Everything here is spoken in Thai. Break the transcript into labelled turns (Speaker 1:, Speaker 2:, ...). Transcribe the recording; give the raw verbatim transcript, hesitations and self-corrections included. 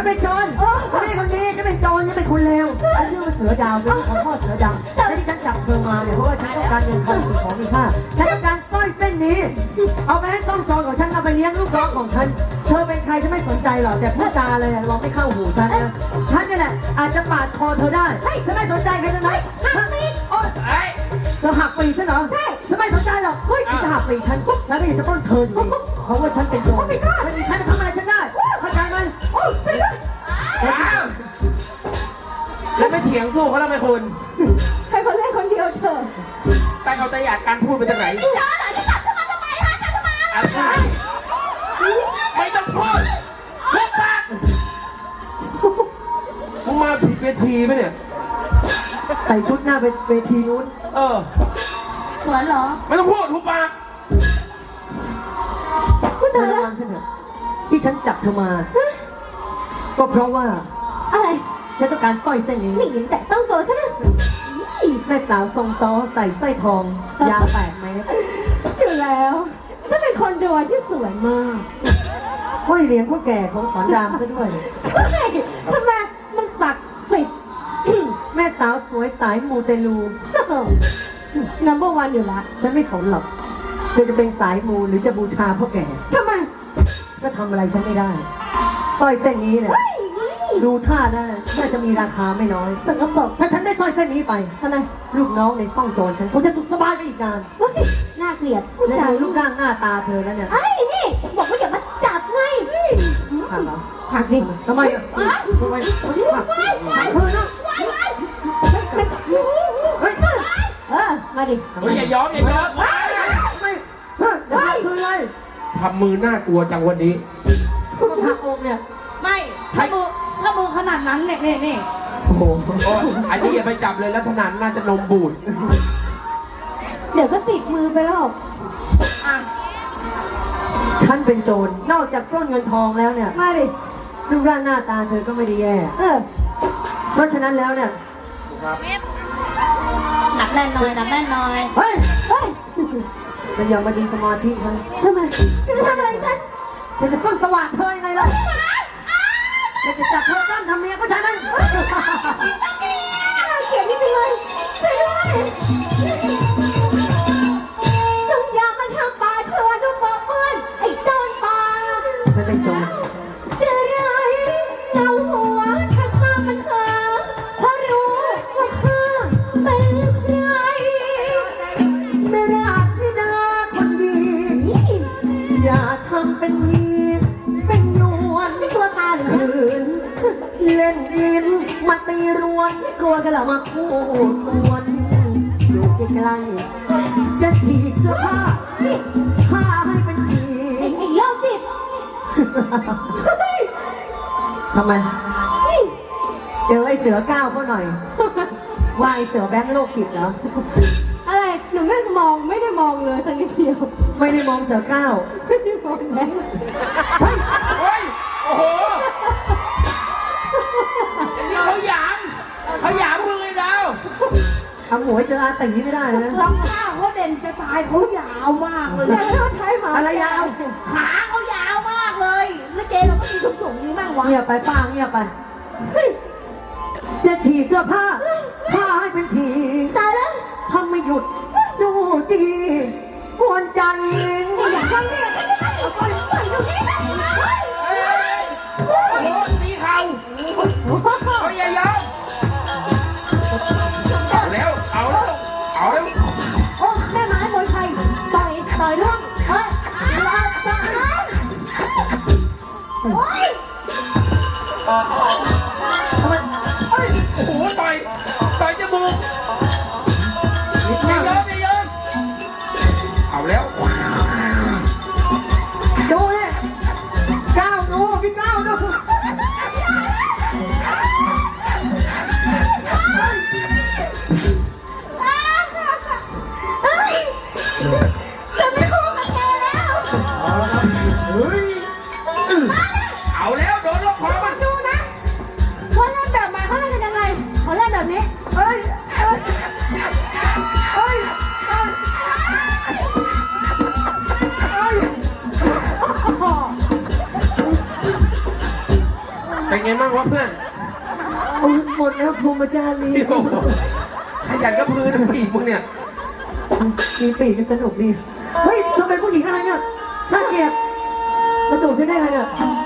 Speaker 1: เป็นโจรคนนี้คนนี้จะเป็นโจรจะเป็นคนเลวฉันชื่อว่าเสือดาวเป็นของพ่อเสือดำและที่ฉันจับเธอมาเนี่ยเพราะว่าฉันต้องการเงินทองสิ่งของมีค่าฉันต้องการสร้อยเส้นนี้เอาไปให้ซ่องโจรของฉันเอาไปเลี้ยงลูกน้องของฉันเธอเป็นใครฉันไม่สนใจหรอกแต่พูดจาเลยลองไม่เข้าหูฉันนะฉันนี่แหละอาจจะปาดคอเธอได้ฉันไม่สนใจใครทั้งนั้นเธอหักปีฉันเหรอใช่ฉันไม่สนใจหรอกเฮ้ยจะหักปีฉันฉันก็อยากจะปล้นเธออยู่ดีเพราะว่าฉันเป็นโจรไม่มีฉันจะทำอะไรฉันได้เข้าใจไหม
Speaker 2: แล้วไม่เถียงสู้เขาแล้วไหมคุณ
Speaker 3: ใครคนเล่นคนเดียวเธอ
Speaker 2: แต่เอาแต่อยากการพูดไปจากไหน
Speaker 3: จ้าเหรอจะจับเธอมาทำไมฮะจะทำไม
Speaker 2: อะไรไม่ต้องพูดพูดปากมึงมาผิดเวทีไหมเนี่ย
Speaker 1: ใส่ชุดหน้าเวทีนู้น
Speaker 2: เออ
Speaker 3: เหมือนเหรอ
Speaker 2: ไม่ต้องพูดทุบปาก
Speaker 1: พูดเธอระวังฉันเถอะที่ฉันจับเธอมาก็เพราะว่า
Speaker 3: อะไร
Speaker 1: ฉันต้องการสร้อยเส้นนี้
Speaker 3: นี่หญิงแต่ต้องตัวฉันนะ
Speaker 1: แม่สาวทรงซ้อใส่สร้อยทองยาวแปดเมตร
Speaker 3: อยู่แล้วฉันเป็นคนดวที่สวยมาก
Speaker 1: ห้อยเหรียญพ่อแก่ของสอนรามซะด้วย
Speaker 3: ใช่ทำไมมันศักดิ์สิทธิ์
Speaker 1: แม่สาวสวยสายมูเตลู
Speaker 3: นัมเบอร์วันอยู่ละ
Speaker 1: ฉันไม่สนหรอกเธอจะเป็นสายมูหรือจะบูชาพ่อแก่
Speaker 3: ทำไม
Speaker 1: ก็ทำอะไรฉันไม่ได้สร้อยเส้นนี้เนี่ยดูท่าน่าน่าจะมีราคาไม่น้อย
Speaker 3: สกปรก
Speaker 1: ถ้าฉันได้สร้อยเส้นนี้ไป
Speaker 3: ทำไม
Speaker 1: ลูกน้องในซ่องโจรฉันคงจะสุขสบายไปอีกนาน
Speaker 3: น่าเกลียด
Speaker 1: และดูรูปร่างหน้าตาเธอแล้วเนี่ย
Speaker 3: ไอ้นี่บอกว่าอย่ามาจับไง
Speaker 1: หักเหรอ
Speaker 3: หักดิ
Speaker 1: ทำไมทำไมหักหักเธอนะเฮ้ย
Speaker 3: เออมาดิ
Speaker 2: อย่ายอมอย่ายอม
Speaker 1: ไม่ไม่คืออะไร
Speaker 2: ทำมือน่ากลัวจังวันนี้
Speaker 1: ต้องหักอกเนี่ย
Speaker 3: ไม่ถ้ามือถ้ามือขนาดนั้นเนี่ยนี่นี่
Speaker 1: โอ้โห
Speaker 2: อันนี้อย่าไปจับเลยลักษณะน่าจะนมบูด
Speaker 3: เดี๋ยวก็ติดมือไปแล้ว
Speaker 1: ฉันเป็นโจรนอกจากปล้นเงินทองแล้วเนี่ย
Speaker 3: มาดิ
Speaker 1: รูปร่างหน้าตาเธอก็ไม่ได้แย่
Speaker 3: เออ
Speaker 1: เพราะฉะนั้นแล้วเนี่ย
Speaker 3: หนักแน่นหน่อยหนักแน่นหน่อย
Speaker 1: เฮ้ยเฮ้ยมันยังมาดีสมาธิฉัน
Speaker 3: ทำไมจะทำอะไรฉัน
Speaker 1: ฉันจะปล้นสว่างเธอยังไงล่ะจะจับเธอตั้งทำเมียก็ใช่ไหม
Speaker 3: เกลียดนี่จริงเลยช่วยด้วยจงอย่ามาทำปลาเธอดูปอกเปื้อนไอ้โจรปลา
Speaker 1: ฉันเป็นโจร
Speaker 3: จะไรเงาหัวถ้าข้ามันหาเพราะรู้ว่าข้าเป็นใคร
Speaker 1: ไม่รักที่ดาคนดีอย่าทำเป็นมีเป็นยวน
Speaker 3: ตัวตาหรือ
Speaker 1: คืนเล่นดินมาตีรวนกลัวกันหรอมาพูดกวนอยู่ใกล้ๆจะฉีกเสื้อผ้าผ้าให้เป็นผี
Speaker 3: ไอ้โรคจิต
Speaker 1: ทำไมเจอไอ้เสือก้าวเขาหน่อยว่าไอ้เสือแบงค์โรคจิตเหรอ
Speaker 3: อะไรหนูไม่มองไม่ได้มองเลยสักนิดเดียว
Speaker 1: ไม่ได้มองเสือก้าว
Speaker 3: ไม่ได้มองแบงค์
Speaker 2: เฮ้ยโอ้โหอันนี้เขาหยามเขาหยามมึงเลยดาว
Speaker 1: ทำหมวยเจออาตีไม่ได้นะ
Speaker 3: ลำข้าเขาเด่นจะตายเขายาวมากเลย
Speaker 1: อะไรยาว
Speaker 3: ขาเขายาวมากเลยแล้วเจเราก็มีถุงถุงนี้บ้างวะ
Speaker 1: เงียบไปป้าเงียบไปจะฉีดเสื้อผ้าผ้าให้เป็นผี
Speaker 3: ตายแล้ว
Speaker 1: ทำไม่หยุดจู้จีกวนใจ
Speaker 3: อยากฟังเนี่ยฉันจะให้ฟังฟังตรงนี้นะ
Speaker 2: โอ้โหตีเข่าเขาอย่ายอมเอาแล้วเอาแล้วเอาแล้ว
Speaker 3: โอ้แม่ไม้มวยไทยต่อยต่อยล่วงเฮ้ยรอต่อยโอ้ย
Speaker 2: ทำไมโอ้โหต่อยต่อยจมูกอย่ายอมอย่ายอมเอาแล้ว
Speaker 1: ดูเนี่ยก้าวดูพี่ก้าวดู
Speaker 3: จะไม่คู่กับเธอแล้ว
Speaker 1: เฮ้ย
Speaker 2: เอาแล้วโดนล็อกคอมัน
Speaker 3: ดูนะเขาเล่นแบบใหม่เขาเล่นกันยังไงเขาเล่นแบบนี้
Speaker 1: เฮ้ยเฮ้ยเฮ้ย
Speaker 2: เป็นไงบ้างวะเพื่อน
Speaker 1: เอาหมดแล้วพรหมจารี
Speaker 2: โอ้โหขยันกับพื้นผู้หญิงมึงเนี่ย
Speaker 1: มีปีกกันสนุกดี เฮ้ยเธอเป็นผู้หญิงอะไรเนี่ยน่าเกลียดมาจูบฉันได้ไงเนี่ย